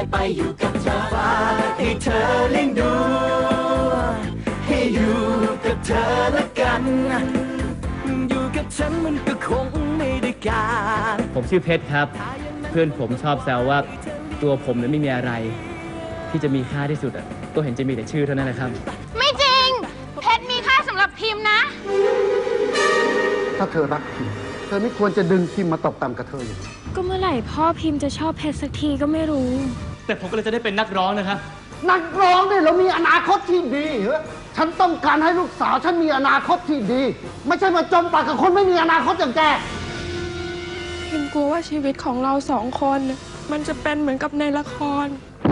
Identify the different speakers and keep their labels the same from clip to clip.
Speaker 1: ไปอยู่กับเธอฝากให้เธอเลี้ยงดูให้อยู่กับเธอละกันอยู่กับฉันมันก็คงไม่ได้การ
Speaker 2: ผมชื่อเพชรครับเพื่อนผมชอบแซวว่าตัวผมเนี่ยไม่มีอะไรที่จะมีค่าที่สุดอะก็เห็นจะมีแต่ชื่อเท่านั้นแหละครับ
Speaker 3: ไม่จริงเพชรมีค่าสำหรับพิมพ์นะ
Speaker 4: ถ้าเธอรักพิมพ์เธอไม่ควรจะดึงพิมพ์มาตกต่ำกับเธออย่างนี้
Speaker 5: ก็เมื่อไหร่พ่อพิมพ์จะชอบเพชรสักทีก็ไม่รู้
Speaker 2: แต่ผมก็เลยจะได้เป็นนักร้องนะครับ
Speaker 4: นักร้องเนี่ยเรามีอนาคตที่ดีฉันต้องการให้ลูกสาวฉันมีอนาคตที่ดีไม่ใช่มาจมปากกับคนไม่มีอนาคตอย่างแก
Speaker 5: พิมกลัวว่าชีวิตของเราสองคนมันจะเป็นเหมือนกับในละคร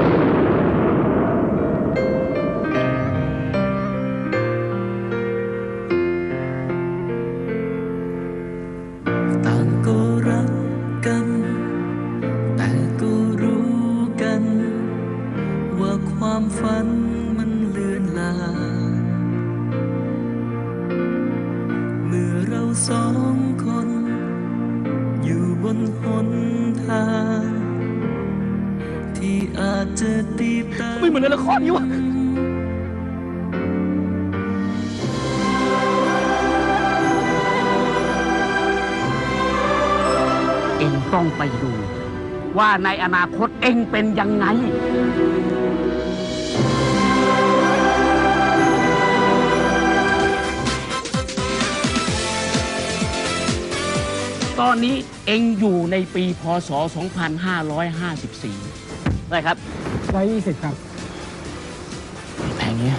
Speaker 1: ต่างก็รักกันแต่ก็รู้กันว่าความฝันมันเลือนลางเมื่อเราสองคนอยู่บนหนทางที่อาจจะตีตา
Speaker 2: ไม่เหมือนในละครนี่วะ
Speaker 4: เอ็งต้องไปดูว่าในอนาคตเอ็งเป็นยังไงตอนนี้เอ็งอยู่ในปีพ.ศ. 2554ได้ครับ120ครับ
Speaker 2: แพงเนี้ย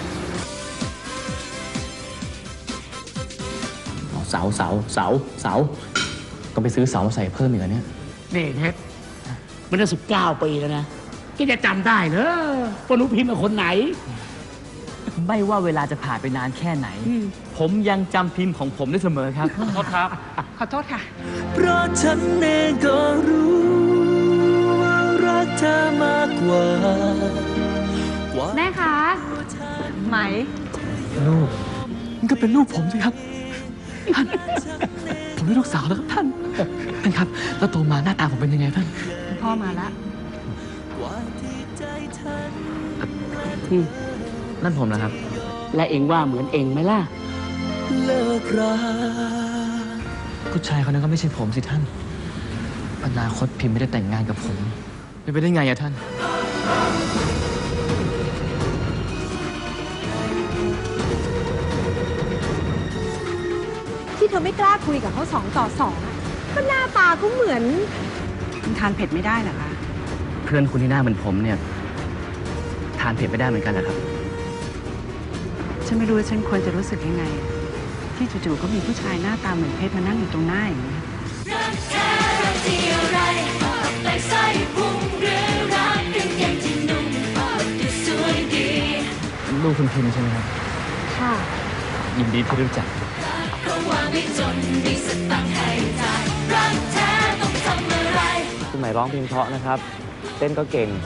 Speaker 2: เสาต้องไปซื้อเสามาใส่เพิ่มอีกแล้วเนี่ย
Speaker 4: นี่เพชรมันได้19 ปีแล้วนะแกจะจำได้เหรอว่าหนูพิมพ์เป็นคนไหน
Speaker 2: ไม่ว่าเวลาจะผ่านไปนานแค่ไหนผมยังจำพิมพ์ของผมได้เสมอครับขอโทษครับ
Speaker 5: ขอโทษค่ะ
Speaker 1: เพราะฉันเองก็รู้ว่ารักเธอมากกว่า
Speaker 5: แม่คะไหม
Speaker 2: ลูกมันก็เป็นลูกผมสิครับท่านผมเป็นลูกสาวแล้วครับท่านครับแล้วโตมาหน้าตาผมเป็นยังไงท่าน
Speaker 5: พ่อมาแล้ว
Speaker 2: นั่นผมนะครับ
Speaker 4: และเอ็งว่าเหมือนเอ็งไหมล่ะ
Speaker 1: เลิกรา
Speaker 2: ผู้ชายคนนั้นก็ไม่ใช่ผมสิท่านอนาคตพิมพ์ไม่ได้แต่งงานกับผมไม่ไปได้ไงอะท่าน
Speaker 5: ที่เธอไม่กล้าคุยกับเขา2 ต่อ 2ก็หน้าตาเขาเหมือนคุณทานเผ็ดไม่ได้เหรอคะ
Speaker 2: เพื่อนคุณที่หน้าเหมือนผมเนี่ยทานเผ็ดไม่ได้เหมือนกันเหรอครับ
Speaker 5: ฉันไม่รู้ว่าฉันควรจะรู้สึกยังไงที่จู่ๆก็มีผู้ชายหน้าตาเหมือนเพชรมานั่งอยู่ตรงหน้าอย่างนี้รักแท้รักที่อะไรแปลกใส่พุงหรือรักกางเกงที่นุ่มดูสวยดี
Speaker 2: ลูกคุณพิมพ์ใช่ไหมครับ
Speaker 5: ค่ะ
Speaker 2: ยินดีที่รู้จัก
Speaker 1: เพราะว่าไม่จนมีสตังค์ให้จ่ายรักแท้ต้องทำอะไร
Speaker 2: คุณหมายร้องเพลงเพราะนะครับเต้นก็เก่ง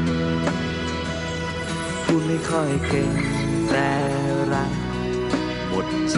Speaker 1: พูดไม่ค่อยเก่งแต่รักหมดใจ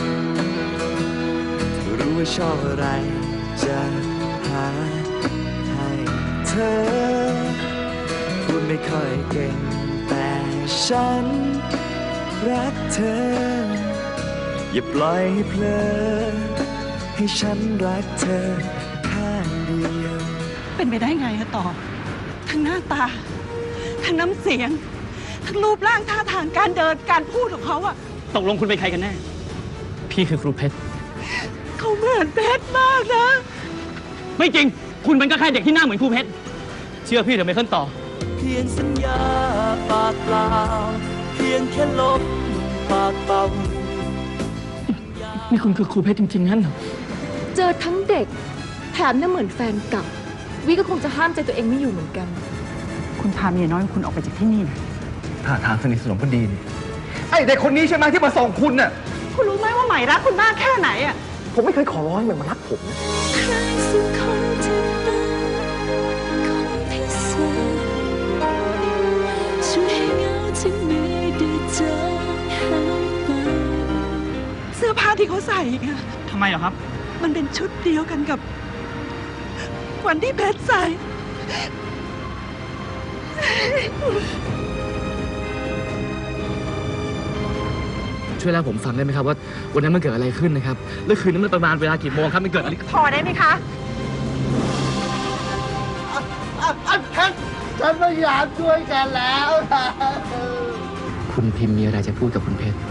Speaker 1: รู้ว่าชอบอะไรจะหาให้เธอพูดไม่ค่อยเก่งแต่ฉันรักเธออย่าปล่อยให้เพลินให้ฉันรักเธอข้างเดียว
Speaker 5: เป็นไปได้ไงอะต่อทั้งหน้าตาทั้งน้ำเสียงทั้งรูปร่างท่าทางการเดินการพูดของเขาอะ
Speaker 2: ตกลงคุณเป็นใครกันแน่พี่คือครูเพชร
Speaker 5: เขาเหมือนเพชรมากนะ
Speaker 2: ไม่จริงคุณเป็นก็แค่เด็กที่หน้าเหมือนครูเพชรเชื่อพี่เดี๋ยวไม่ขึ้นต่อ
Speaker 1: เพียงสัญญาปากเปล่าเพียงแค่ลบปากเป่า
Speaker 2: นี่คุณคือครูเพชรจริงๆนั่นเหรอ
Speaker 6: เจอทั้งเด็กแถมน่าเหมือนแฟนเก่าวิก็คงจะห้ามใจตัวเองไม่อยู่เหมือนกัน
Speaker 5: คุณพาเมียน้อยคุณออกไปจากที่นี่นะ
Speaker 2: ท่าทางสนิทสนมพอดีนี่ไอ้เด็กคนนี้ใช่ไหมที่มาส่งคุณน่ะ
Speaker 5: คุณรู้ไหมว่าใหม่รักคุณมากแค่ไหนอ่ะ
Speaker 2: ผมไม่เคยขอร้องให้มันมารักผม
Speaker 1: ใครสักคนที่เป็นคนพิเศษช่วยให้เงาที่มีได้จางหายไป
Speaker 5: เสื้อผ้าที่เขาใส่อะ
Speaker 2: ทำไมเหรอครับ
Speaker 5: มันเป็นชุดเดียวกันกับวันที่เพชรใส่
Speaker 2: ช่วยเล่าผมฟังได้ไหมครับว่าวันนั้นมันเกิดอะไรขึ้นนะครับแล้วคืนนั้นมันประมาณเวลากี่โมงครับมันเกิดอะไร
Speaker 5: พอได้ไหมคะ
Speaker 4: เพชรฉันพยายามช่วยแกแล้วนะ
Speaker 2: คุณพิมพ์มีอะไรจะพูดกับคุณเพชร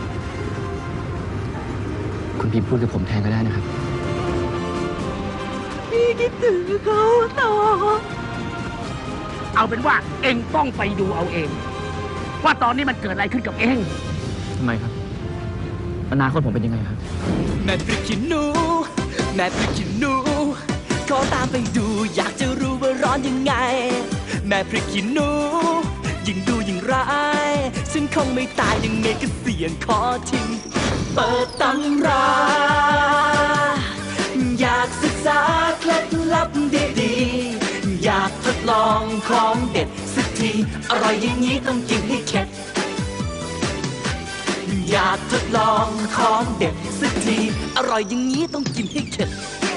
Speaker 2: คุณพิมพ์พูดกับผมแทนก็ได้นะครับ
Speaker 5: พี่คิดถึงเขาต่อ
Speaker 7: เอาเป็นว่าเองต้องไปดูเอาเอง ว่าตอนนี้มันเกิดอะไรขึ้นกับเอง
Speaker 2: ทำไมครับอนาคตผมเป็นยังไงครับ
Speaker 1: แม่พริกขี้หนูแม่พริกขี้หนูขอตามไปดูอยากจะรู้ว่าร้อนยังไง แม่พริกขี้หนูยิ่งดูยิ่งร้ายฉันคงไม่ตายยังไงก็เสี่ยงขอทิ้งเปิดตำราอยากศึกษาเคล็ดลับดีๆอยากทดลองของเด็ดสักทีอร่อยอย่างนี้ต้องกินให้เข็ดอยากทดลองของเด็ดสักทีอร่อยอย่างนี้ต้องกินให้เข็ด